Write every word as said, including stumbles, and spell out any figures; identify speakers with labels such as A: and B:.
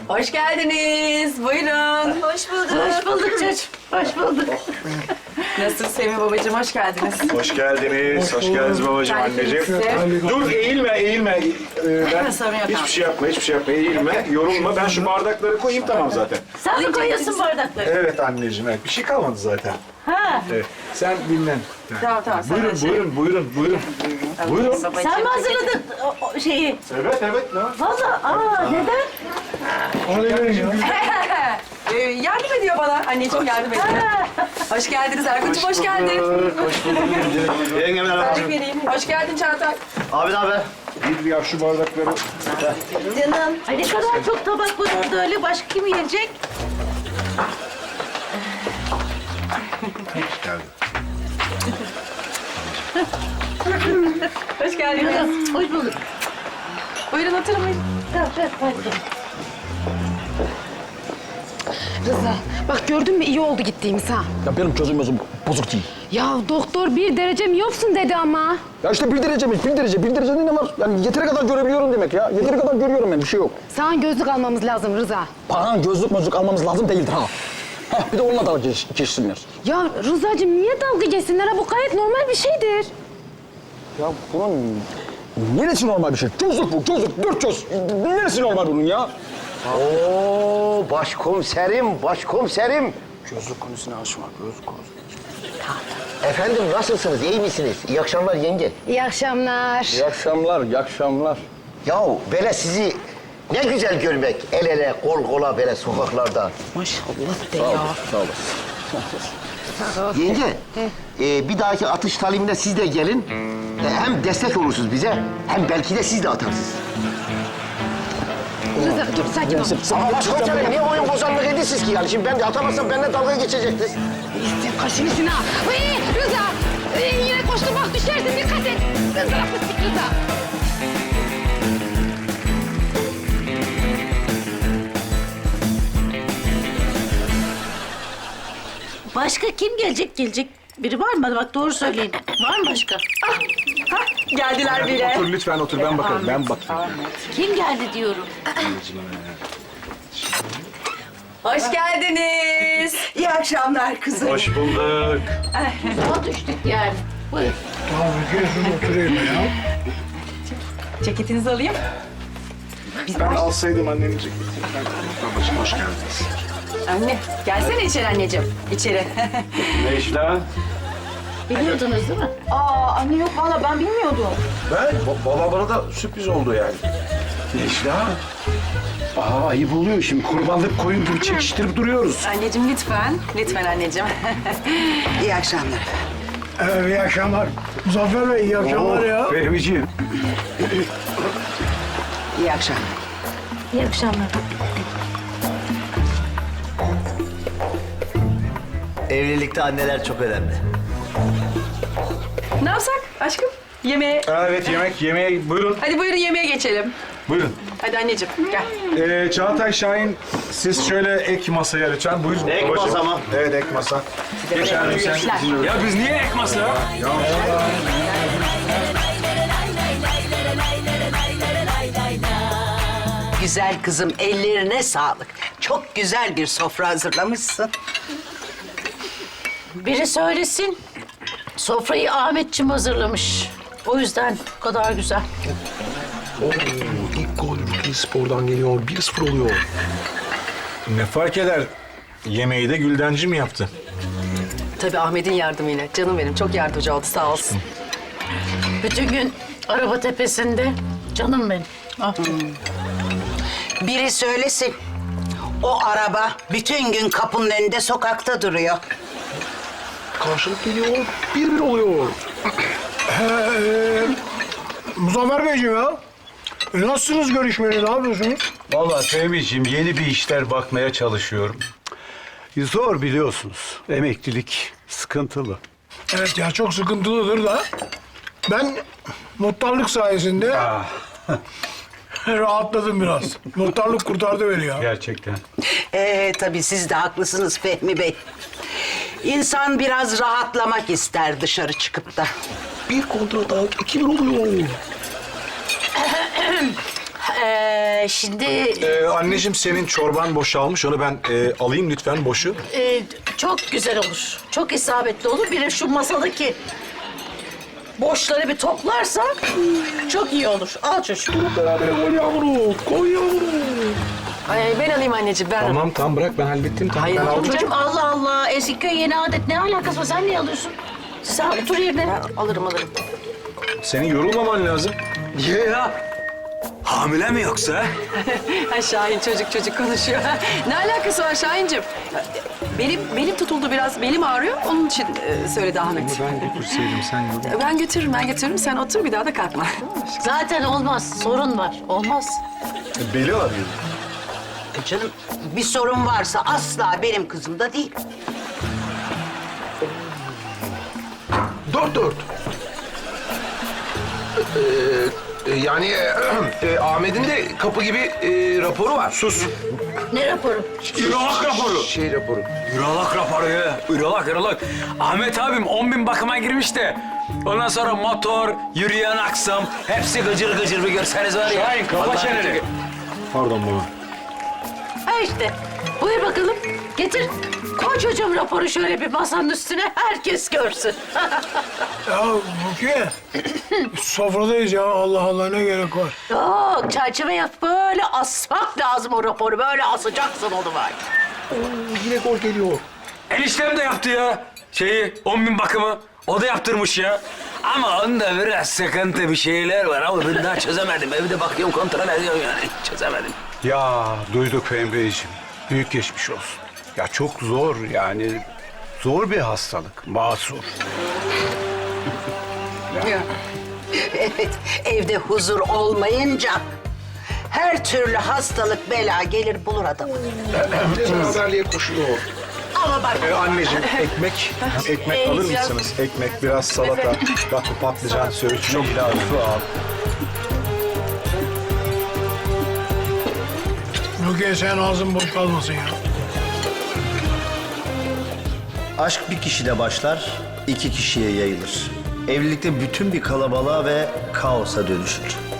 A: Hoş geldiniz. Buyurun.
B: Hoş bulduk.
A: Hoş bulduk çocuğum. Hoş bulduk. Nasılsın Semih babacığım? Hoş geldiniz.
C: Hoş geldiniz. Hoş, geldiniz babacığım, anneciğim.
A: Size.
C: Dur, eğilme, eğilme. Ee, ben
A: Sorun yok,
C: hiçbir
A: tamam.
C: şey yapma, hiçbir şey yapma. Eğilme, yorulma. Ben şu bardakları koyayım, tamam zaten.
B: Sen mi koyuyorsun bardakları?
C: Evet anneciğim, evet. Bir şey kalmadı zaten.
B: Ha.
C: Evet. Sen dinlen.
A: Tamam tamam. sen
C: Buyurun,
A: de şey-
C: buyurun, buyurun, buyurun. Buyurun.
A: Babacığım,
B: Sen mi
A: ceketi-
B: hazırladın o, o şeyi?
C: Evet, evet. Ne?
B: Vallahi aa neden?
A: Ee, yardım ediyor bana. Anneciğim yardım ediyor. Hoş geldiniz Erkun'cum, hoş geldin.
C: Hoş bulduk.
D: Yengemler
A: Terlik vereyim. Hoş geldin Çağatay.
D: Abi ne haber?
C: Bir ya şu bardakları.
B: Canım. Ay ne kadar çok tabak var orada öyle. Başka kim yiyecek?
A: Hoş geldiniz.
B: Hoş bulduk.
A: Buyurun oturun. buyurun.
B: Tamam, evet, hadi.
E: Rıza, bak gördün mü iyi oldu gittiğimiz ha.
F: Ya benim gözüm gözüm bozuk değil.
E: Ya doktor bir derece mi yoksun dedi ama.
F: Ya işte bir derece mi? Bir derece. Bir derecede ne var? Yani yeteri kadar görebiliyorum demek ya. Yeteri kadar görüyorum ben. Bir şey yok.
E: Sana gözlük almamız lazım Rıza.
F: Paran gözlük mözlük almamız lazım değildir ha. Heh, bir de onunla dalga geç, geçsinler.
E: Ya Rıza'cığım niye dalga geçsinler ha? Bu gayet normal bir şeydir.
F: Ya bunun neresi normal bir şey? Gözlük bu, gözlük. Dört göz. Neresi normal bunun ya?
D: Oo başkomiserim, başkomiserim.
F: Gözlük konusuna açma, gözlük konusu.
D: Efendim nasılsınız, iyi misiniz? İyi akşamlar yenge.
E: İyi akşamlar.
F: İyi akşamlar, iyi akşamlar.
D: Yahu böyle sizi ne güzel görmek. El ele, kol kola böyle sokaklarda.
E: Maşallah de
F: Sağ
E: ya.
F: olasın, sağ olasın.
D: Yenge, e, bir dahaki atış talimine siz de gelin. E, hem destek olursunuz bize, hem belki de siz de atarsınız.
E: Rıza dur sakin ol.
D: Ama başkomiserim niye oyun bozanlık ediyorsunuz ki yani? Şimdi ben de atamazsam benimle dalga geçecektiniz.
E: Sen kaşını şuna. Uy, Rıza. Uy, yine koştum bak düşersin dikkat et. Rıza fıstık Rıza.
B: Başka kim gelecek gelecek? Biri var mı? Bak doğru söyleyin. Var mı başka?
A: Geldiler bile.
F: Otur lütfen otur, ben bakarım, ben bakayım.
B: Kim geldi diyorum.
A: Hoş geldiniz.
G: İyi akşamlar kızım.
C: Hoş bulduk.
B: Daha düştük yani. Buyur.
A: Ceketinizi alayım.
C: Ben alsaydım annenin ceketini. Babacığım, hoş geldiniz.
A: Anne, gelsene içeri anneciğim. İçeri.
C: Necla.
B: Biliyordunuz değil mi?
A: Aa anne yok valla ben bilmiyordum.
C: Ben? Baba bana da sürpriz oldu yani. Necla. Aa, ayıp oluyor şimdi. Kurbanlık koyun gibi çekiştirip duruyoruz.
A: Anneciğim lütfen. Lütfen anneciğim.
G: İyi akşamlar.
H: Evet, iyi akşamlar. Muzaffer Bey, iyi akşamlar ya.
C: Fehmiciğim.
G: İyi akşamlar.
B: İyi akşamlar.
D: Evlilikte anneler çok önemli.
A: Ne yapsak aşkım? Yemeğe.
C: Evet, yemek, yemeğe buyurun.
A: Hadi buyurun yemeğe geçelim.
C: Buyurun.
A: Hadi anneciğim gel.
C: Ee, Çağatay Şahin, siz şöyle ek masaya lütfen. Buyurun.
D: Ek
C: babacığım.
D: masa mı?
C: Evet, ek masa. Geç hanım sen.
I: Ya biz niye ek masa?
C: Ya,
G: Güzel kızım, ellerine sağlık. Çok güzel bir sofra hazırlamışsın.
B: Biri söylesin. Sofrayı Ahmetciğim hazırlamış. O yüzden bu kadar güzel.
I: Oo, ilk gol Ülke Spor'dan geliyor. bir sıfır oluyor.
C: ne fark eder? Yemeği de Güldenci mi yaptı?
A: Tabii Ahmet'in yardımıyla. Canım benim çok yardımcı oldu sağ olsun.
B: Bütün gün araba tepesinde. Canım benim. Ah.
G: Biri söylesin. O araba bütün gün kapının önünde sokakta duruyor.
I: Karşılık geliyor. bir bir oluyor.
H: Muzaffer Beyciğim ya. E, nasılsınız görüşmeli, ne yapıyorsunuz?
J: Vallahi Fehmi'ciğim yeni bir işler bakmaya çalışıyorum. Zor biliyorsunuz. Emeklilik sıkıntılı.
H: Evet ya, çok sıkıntılıdır da. Ben muhtarlık sayesinde rahatladım biraz. Muhtarlık kurtardı beni ya.
J: Gerçekten.
G: Ee tabii siz de haklısınız Fehmi Bey. İnsan biraz rahatlamak ister dışarı çıkıp da.
I: Bir kontra daha iki bir oluyor.
B: Ee, şimdi
I: Ee, anneciğim senin çorban boşalmış. Onu ben e, alayım lütfen boşu.
B: e, çok güzel olur. Çok isabetli olur. Bir de şu masadaki boşları bir toplarsan çok iyi olur. Al çocuğum.
I: Beraber koy yavrum. Koy yavrum.
A: Ay, ben alayım anneciğim, ben
I: Tamam tamam bırak ben hallettim. Tamam,
A: Hayır,
I: ben aldım.
B: Çocuğum Allah Allah. Eski köy yeni adet ne alakası var? Sen niye alıyorsun? Sen otur yerine.
A: alırım alırım.
I: Senin yorulmaman lazım.
K: Niye ya? Hamile mi yoksa?
A: Ha, Şahin çocuk çocuk konuşuyor. Ne alakası var Şahincim? Benim belim tutuldu biraz, belim ağrıyor. Onun için e, söyledi Ahmet.
I: Ben götürseydim sen yorul.
A: Ben götürürüm, ben götürürüm. Sen otur, bir daha da kalkma.
B: Zaten olmaz. Sorun var. Olmaz.
I: Beli ağrıyor.
G: E canım bir sorun varsa asla benim kızımda değil.
I: Dört dört. Ee, e, yani e, e, Ahmet'in de kapı gibi e, raporu var. Sus.
B: Ne raporu?
K: Ürolog raporu.
I: Şey raporu.
K: Ürolog raporu ya. Ürolog, ürolog. Ahmet abim on bin bakıma girmiş de. Ondan sonra motor, yürüyen aksam, hepsi gıcır gıcır bir görseniz var ya. Şahin, kapa çeneni.
I: Pardon baba.
B: Ha işte. Buyur bakalım. Getir. Koy çocuğum raporu şöyle bir masanın üstüne. Herkes görsün.
H: Ya Rukiye, sofradayız ya. Allah Allah, ne gerek var?
B: Yok çerçeve yap. Böyle asmak lazım o raporu. Böyle asacaksın onu var.
I: Yine gol geliyor.
K: Eniştem de yaptı ya. Şeyi, on bin bakımı. O da yaptırmış ya. Ama onda biraz sıkıntı bir şeyler var ama ben daha çözemedim. Evde bakıyorum, kontrol ediyorum yani. Çözemedim.
J: Ya duyduk Emre'ciğim. Büyük geçmiş olsun. Ya çok zor yani. Zor bir hastalık. Masur.
G: Evet, evde huzur olmayınca her türlü hastalık bela gelir bulur adamı.
I: Beraberliğe koşuyor.
G: Ama bak
I: Ee, anneciğim ekmek, ekmek alır mısınız? Ekmek, biraz salata, bak bu patlıcan, söğüş çok
J: İlahi su al.
H: Rukiye, sen ağzın boş kalmasın ya.
L: Aşk bir kişide başlar, iki kişiye yayılır. Evlilikte bütün bir kalabalığa ve kaosa dönüşür.